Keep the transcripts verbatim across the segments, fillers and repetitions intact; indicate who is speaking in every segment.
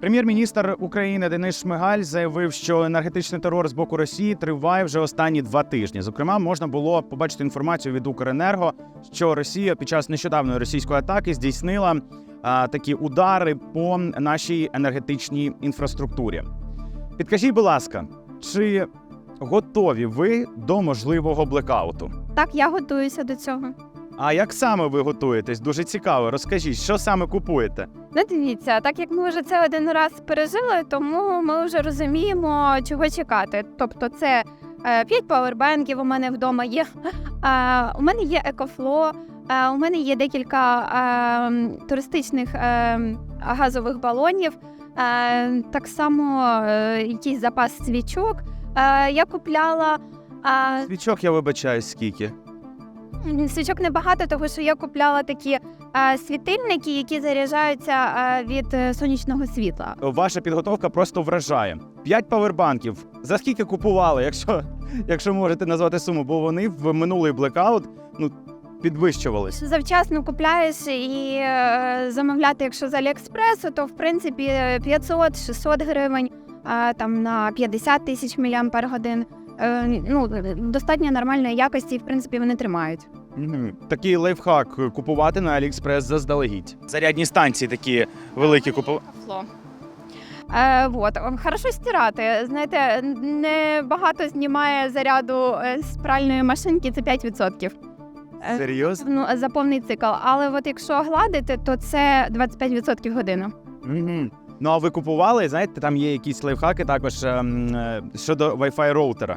Speaker 1: Прем'єр-міністр України Денис Шмигаль заявив, що енергетичний терор з боку Росії триває вже останні два тижні. Зокрема, можна було побачити інформацію від Укренерго, що Росія під час нещодавної російської атаки здійснила а, такі удари по нашій енергетичній інфраструктурі. Підкажіть, будь ласка, чи готові ви до можливого блекауту?
Speaker 2: Так, я готуюся до цього.
Speaker 1: А як саме ви готуєтесь? Дуже цікаво. Розкажіть, що саме купуєте?
Speaker 2: Ну, дивіться, так як ми вже це один раз пережили, тому ми вже розуміємо, чого чекати. Тобто це е, п'ять павербенків у мене вдома є, е, у мене є екофло, е, у мене є декілька е, туристичних е, газових балонів, е, так само е, якийсь запас свічок. Е, я купляла... Е,
Speaker 1: Свічок, я вибачаюсь, скільки?
Speaker 2: Свічок небагато, тому що я купляла такі е, світильники, які заряджаються е, від е, сонячного світла.
Speaker 1: Ваша підготовка просто вражає. П'ять павербанків. За скільки купували, якщо, якщо можете назвати суму, бо вони в минулий блекаут ну, підвищувались.
Speaker 2: Завчасно купляєш і е, замовляти, якщо з Аліекспресу, то в принципі п'ятсот-шістсот гривень, е, там на п'ятдесят тисяч міліампер годин. Е, ну, достатньо нормальної якості, і в принципі вони тримають.
Speaker 1: Угу. Такий лайфхак купувати на Аліекспрес заздалегідь. Зарядні станції такі великі купувати.
Speaker 2: Е, вот. Хорошо стирати. Знаєте, не багато знімає заряду з пральної машинки, це п'ять відсотків. Е,
Speaker 1: Серйозно?
Speaker 2: Ну, за повний цикл. Але от якщо гладити, то це двадцять п'ять відсотків годину.
Speaker 1: Угу. Ну, а ви купували, знаєте, там є якісь лайфхаки також ем, е, щодо Wi-Fi роутера.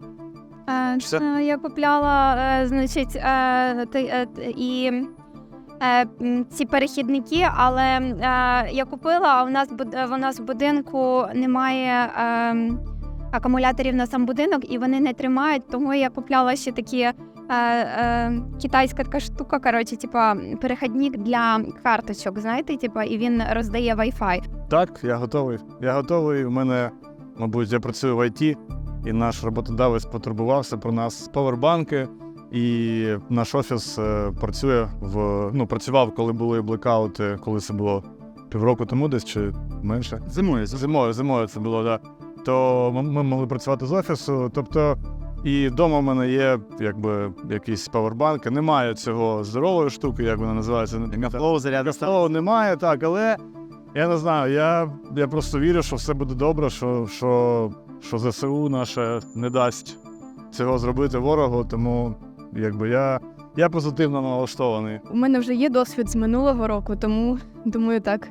Speaker 2: Е,
Speaker 1: Що?
Speaker 2: е, я купляла, е, значить, е, ти- е, т- і е, м, ці перехідники, але е, я купила, а у нас, буд- у нас в будинку немає е, акумуляторів на сам будинок, і вони не тримають, тому я купляла ще такі е, е, китайська така штука, коротше, типа перехідник для карточок, знаєте, типа, і він роздає Wi-Fi.
Speaker 3: Так, я готовий. Я готовий. У мене, мабуть, я працюю в ай ті, і наш роботодавець потурбувався про нас з павербанки. І наш офіс е, працює в ну працював, коли були блекаути, коли це було півроку тому, десь чи менше.
Speaker 1: Зимою.
Speaker 3: Зимою, зимою це було, так. Да. То ми- ми могли працювати з офісу. Тобто, і вдома в мене є якби якісь павербанки. Немає цього здорової штуки, як вона називається.
Speaker 1: Мегафлоу, зарядна станція.
Speaker 3: Слова немає, так, але я не знаю, я, я просто вірю, що все буде добре, що, що, що зе се у наше не дасть цього зробити ворогу, тому якби я, я позитивно налаштований.
Speaker 4: У мене вже є досвід з минулого року, тому думаю так.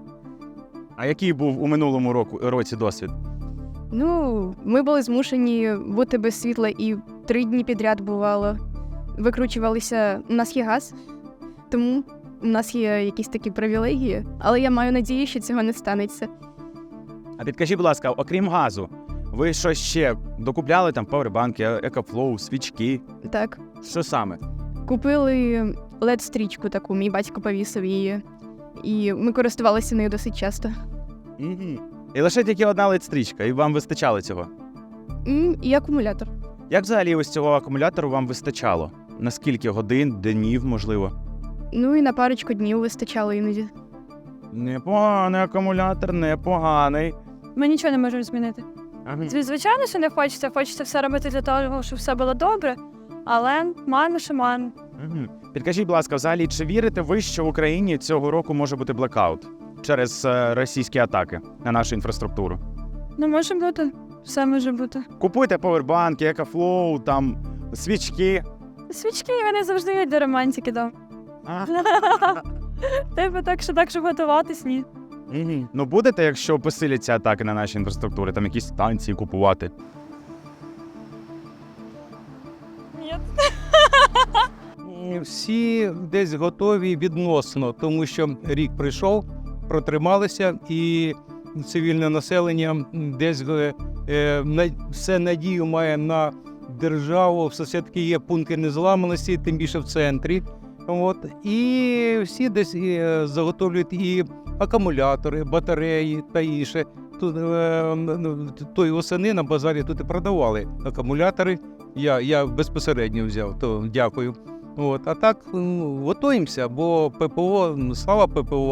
Speaker 1: А який був у минулому року, році досвід?
Speaker 4: Ну, ми були змушені бути без світла і три дні підряд бувало. Викручувалися, у нас є газ, тому у нас є якісь такі привілегії, але я маю надію, що цього не станеться.
Speaker 1: А підкажіть, будь ласка, окрім газу, ви що ще докупляли там павербанки, екофлоу, свічки?
Speaker 4: Так.
Speaker 1: Що саме?
Speaker 4: Купили лед-стрічку таку, мій батько повісив її, і ми користувалися нею досить часто.
Speaker 1: Угу. І лише тільки одна лед-стрічка, і вам вистачало цього?
Speaker 4: М, І акумулятор.
Speaker 1: Як взагалі ось цього акумулятору вам вистачало? На скільки годин, днів, можливо?
Speaker 4: Ну і на парочку днів вистачало іноді.
Speaker 1: Непоганий акумулятор, непоганий.
Speaker 5: Ми нічого не можемо змінити.
Speaker 1: Ага.
Speaker 5: Зві- Звичайно, що не хочеться. Хочеться все робити для того, щоб все було добре. Але маємо, що маємо.
Speaker 1: Угу. Підкажіть, будь ласка, взагалі, чи вірите ви, що в Україні цього року може бути блекаут через е, російські атаки на нашу інфраструктуру?
Speaker 5: Ну, може бути. Все може бути.
Speaker 1: Купуйте павербанки, екофлоу, там, свічки.
Speaker 5: Свічки вони завжди є для романтики, да.
Speaker 1: А?
Speaker 5: Типу так, що так, щоб готуватись, ні.
Speaker 1: Угу. Ну будете, якщо посиляться атаки на наші інфраструктури, там якісь станції купувати?
Speaker 5: Ні.
Speaker 6: М, Всі десь готові відносно, тому що рік прийшов, протрималися, і цивільне населення десь е, е, на- все надію має на державу, все-таки є пункти незламаності, тим більше в центрі. От. І всі десь е, заготовлюють і акумулятори, батареї та інше. Тут е, ну, тої осени на базарі тут і продавали акумулятори. Я, я безпосередньо взяв, то дякую. От, а так ну, готуємося, бо ППО, ну, слава ППО,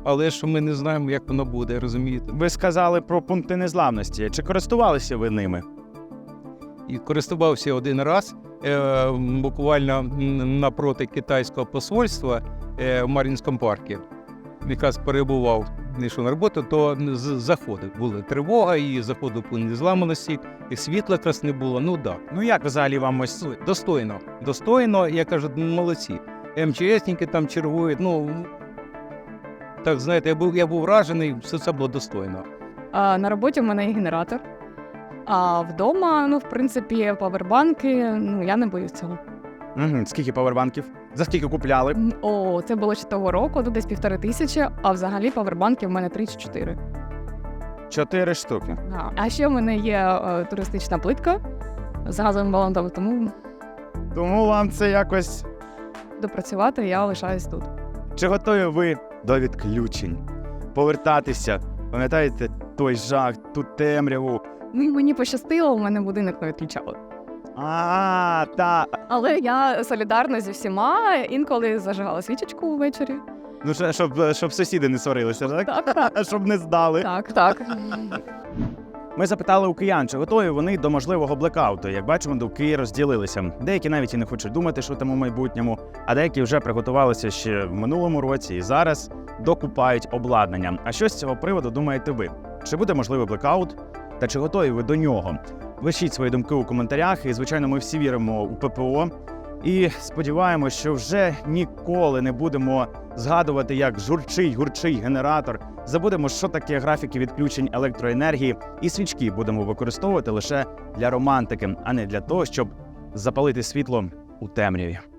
Speaker 6: але ж ми не знаємо, як воно буде, розумієте?
Speaker 1: Ви сказали про пункти незламності. Чи користувалися ви ними?
Speaker 6: І користувався один раз, е, буквально м, напроти китайського посольства е, в Мар'їнському парку. Якраз перебував, не йшов на роботу, то з- заходив. Була тривога і заходив пункт незламаності, і світла якраз не було. Ну так.
Speaker 1: Ну як взагалі вам ось
Speaker 6: Достойно. Достойно, я кажу, молодці. МЧСники там чергують. Ну, так, знаєте, я був, я був вражений, все це було достойно.
Speaker 7: А, на роботі в мене є генератор. А вдома, ну, в принципі, павербанки, ну, я не боюсь цього.
Speaker 1: Угу. Скільки павербанків? За скільки купляли?
Speaker 7: М, О, це було ще того року, ну, десь півтори тисячі, а взагалі павербанки в мене три чи чотири.
Speaker 1: Чотири штуки.
Speaker 7: Да. А ще в мене є е, туристична плитка з газовим балоном, тому
Speaker 1: Тому вам це якось.
Speaker 7: допрацювати я лишаюсь тут.
Speaker 1: Чи готові ви до відключень? Повертатися? Пам'ятаєте той жах, ту темряву?
Speaker 7: Ну, мені пощастило, у мене будинок не відключали.
Speaker 1: А, та.
Speaker 7: Але я солідарна зі всіма, інколи зажигала свічечку ввечері.
Speaker 1: Ну, ще- щоб, щоб сусіди не сварилися, так?
Speaker 7: Так, так.
Speaker 1: Щоб не здали.
Speaker 7: Так, так.
Speaker 1: Ми запитали у киян, чи готові вони до можливого блекауту. Як бачимо, думки розділилися. Деякі навіть і не хочуть думати, що там у майбутньому, а деякі вже приготувалися ще в минулому році і зараз докупають обладнання. А що з цього приводу думаєте ви? Чи буде можливий блекаут? Та чи готові ви до нього? Пишіть свої думки у коментарях, і, звичайно, ми всі віримо у ППО. І сподіваємося, що вже ніколи не будемо згадувати, як журчить, гурчить генератор. Забудемо, що таке графіки відключень електроенергії, і свічки будемо використовувати лише для романтики, а не для того, щоб запалити світло у темряві.